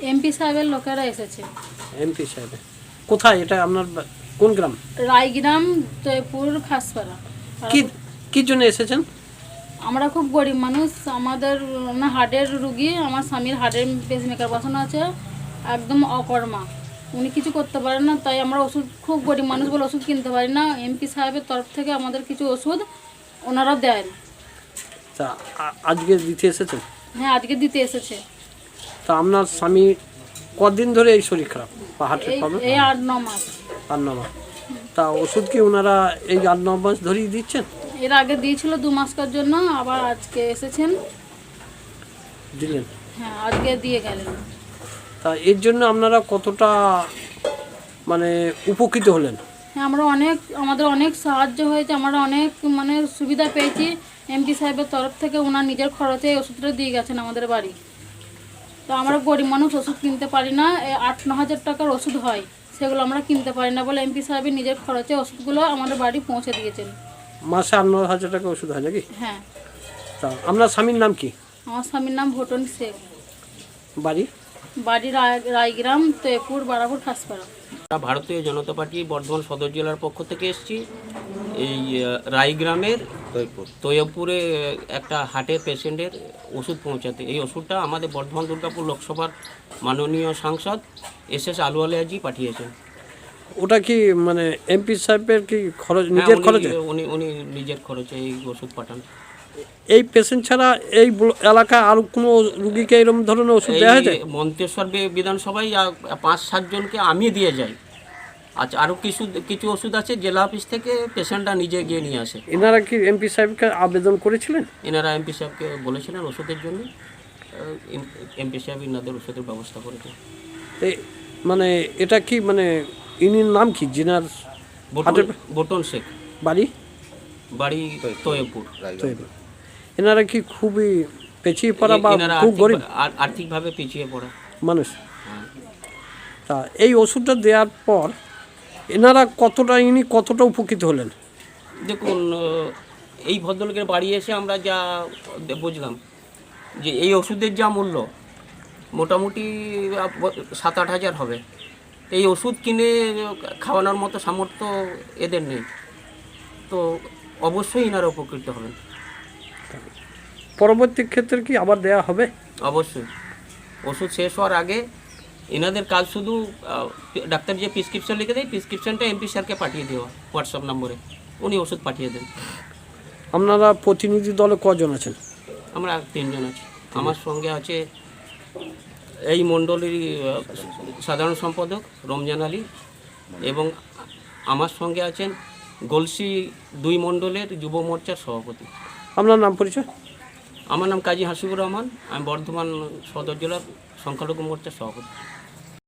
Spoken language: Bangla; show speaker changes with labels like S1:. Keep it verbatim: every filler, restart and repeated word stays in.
S1: এমপি সাহেবের লোকেরা এসেছে।
S2: এমপি সাহেব কোথায় এটা আপনার কোন গ্রাম?
S1: রায়গ্রাম, জয়পুর, খাসপাড়া।
S2: কি কি জন্য এসেছেন?
S1: আমরা খুব গরিব মানুষ, আমাদের না হার্টের রুগী, আমার স্বামীর হার্টের পেসমেকার বসানো আছে, একদম অকর্মা, উনি কিছু করতে পারেন না, তাই আমরা ওষুধ, খুব গরিব মানুষ বলে ওষুধ কিনতে পারি না। এমপি সাহেবের তরফ থেকে আমাদের কিছু ওষুধ ওনারা দেন।
S2: তা আজকে দিতে এসেছেন?
S1: হ্যাঁ, আজকে দিতে এসেছে।
S2: তা আপনার স্বামী কদিন ধরে এই শরীর খারাপ বা হার্টের
S1: এই
S2: প্রবলেম?
S1: এই আট ন মাস।
S2: আট ন মাস। তা ওষুধ কি ওনারা এই আট ন মাস ধরেই দিচ্ছেন?
S1: এর আগে দিয়েছিল দু মাসকার জন্য, আবার আজকে এসেছেন
S2: দিলেন।
S1: হ্যাঁ, আজকে দিয়ে গেলেন।
S2: তা এর জন্য আপনারা কতটা মানে উপকৃত হলেন?
S1: হ্যাঁ, আমরা অনেক, আমাদের অনেক সাহায্য হয়েছে, আমরা অনেক মানে সুবিধা পেয়েছি এমপি সাহেবের তরফ থেকে। ওনার নিজের খরচে এই ওষুধটা দিয়ে গেছেন আমাদের বাড়ি। তো আমরা গরিব মানুষ, ওষুধ কিনতে পারি না, আট ন হাজার টাকার ওষুধ হয়, সেগুলো আমরা কিনতে পারি না বলে এমপি সাহেবের নিজের খরচে ওষুধগুলো আমাদের বাড়ি পৌঁছে দিয়েছেন।
S2: মাসে আট ন হাজার টাকা ওষুধ হয় নাকি?
S1: হ্যাঁ।
S2: তা আপনার স্বামীর নাম কি?
S1: আমার স্বামীর নাম ভোটন শেখ,
S2: বাড়ি?
S1: বাড়ি রায় রায়গ্রাম, তৈপুর, বারাপুর, খাসপাড়া।
S3: ভারতীয় জনতা পার্টি বর্ধমান সদর জেলার পক্ষ থেকে এসেছি। এই রায়গ্রামের তৈয়বপুরে একটা হার্টের পেশেন্টের ওষুধ পৌঁছাতে। এই ওষুধটা আমাদের বর্ধমান দুর্গাপুর লোকসভার মাননীয় সাংসদ এস এস আলুওয়ালিয়াজি পাঠিয়েছেন।
S2: ওটা কি মানে এমপি সাহেবের কি খরচ,
S3: হ্যাঁ,
S2: নিজের
S3: উনি-
S2: খরচে?
S3: উনি উনি নিজের খরচে এই ওষুধ পাঠান।
S2: এই পেশেন্ট ছাড়া এই ব্ল- এলাকায় আর কোনো রুগীকে এরকম ধরনের ওষুধ দেওয়া হয়েছে?
S3: এই মন্তেশ্বর বি- বিধানসভায় আহ, পাঁচ সাতজনকে আমি দিয়ে যাই। আচ্ছা, আরও কিছু কিছু ওষুধ আছে জেলা অফিস থেকে পেশেন্টরা নিজে গিয়ে নিয়ে আসে।
S2: এনারা কি এমপি সাহেবকে আবেদন করেছিলেন?
S3: এনারা এমপি সাহেবকে বলেছিলেন ওষুধের জন্য, এমপি সাহেব ইনাদের ওষুধের ব্যবস্থা করেছে।
S2: এই মানে এটা কি মানে ইনির নাম কি যিনার
S3: বটন- বটন শেখ,
S2: বাড়ি?
S3: বাড়ি তৈয়বপুর।
S2: তৈরি। এনারা কি খুবই পেছিয়ে পড়া বা
S3: এনারা
S2: খুব গরিব
S3: আর্থিক- আর- আর্থিকভাবে পিছিয়ে পড়া
S2: মানুষ?
S3: হ্যাঁ।
S2: তা এই ওষুধটা দেওয়ার পর এনারা কতটা, ইনি কতটা উপকৃত হলেন?
S3: দেখুন, আহ, এই ভদ্রলোকের বাড়ি এসে আমরা যা বুঝলাম যে এই ওষুধের যা মূল্য মোটামুটি আহ, সাত আট হাজার হবে। এই ওষুধ কিনে খাওয়ানোর মতো সামর্থ্য এদের নেই, তো অবশ্যই এনারা উপকৃত হবেন।
S2: পরবর্তী ক্ষেত্রে কি আবার দেয়া হবে?
S3: অবশ্যই ওষুধ শেষ হওয়ার আগে এনাদের কাজ শুধু আহ, ডাক্তার যে প্রেসক্রিপশন লিখে দেয়, প্রেসক্রিপশনটা এমপি স্যারকে পাঠিয়ে দেওয়া হোয়াটসঅ্যাপ নম্বরে, উনি ওষুধ পাঠিয়ে দেন।
S2: আপনারা প্রতিনিধি দলে কজন আছেন?
S3: আমরা তিনজন আছি। আমার সঙ্গে আছে এই মণ্ডলীর আহ, সাধারণ সম্পাদক রমজান আলী, এবং আমার সঙ্গে আছেন গলসি দুই মণ্ডলের যুব মোর্চার সভাপতি।
S2: আপনার নাম পরিচয়?
S3: আমার নাম কাজী হাসিবুর রহমান, আমি বর্ধমান সদর জেলার সংখ্যালঘু মোর্চার সভাপতি।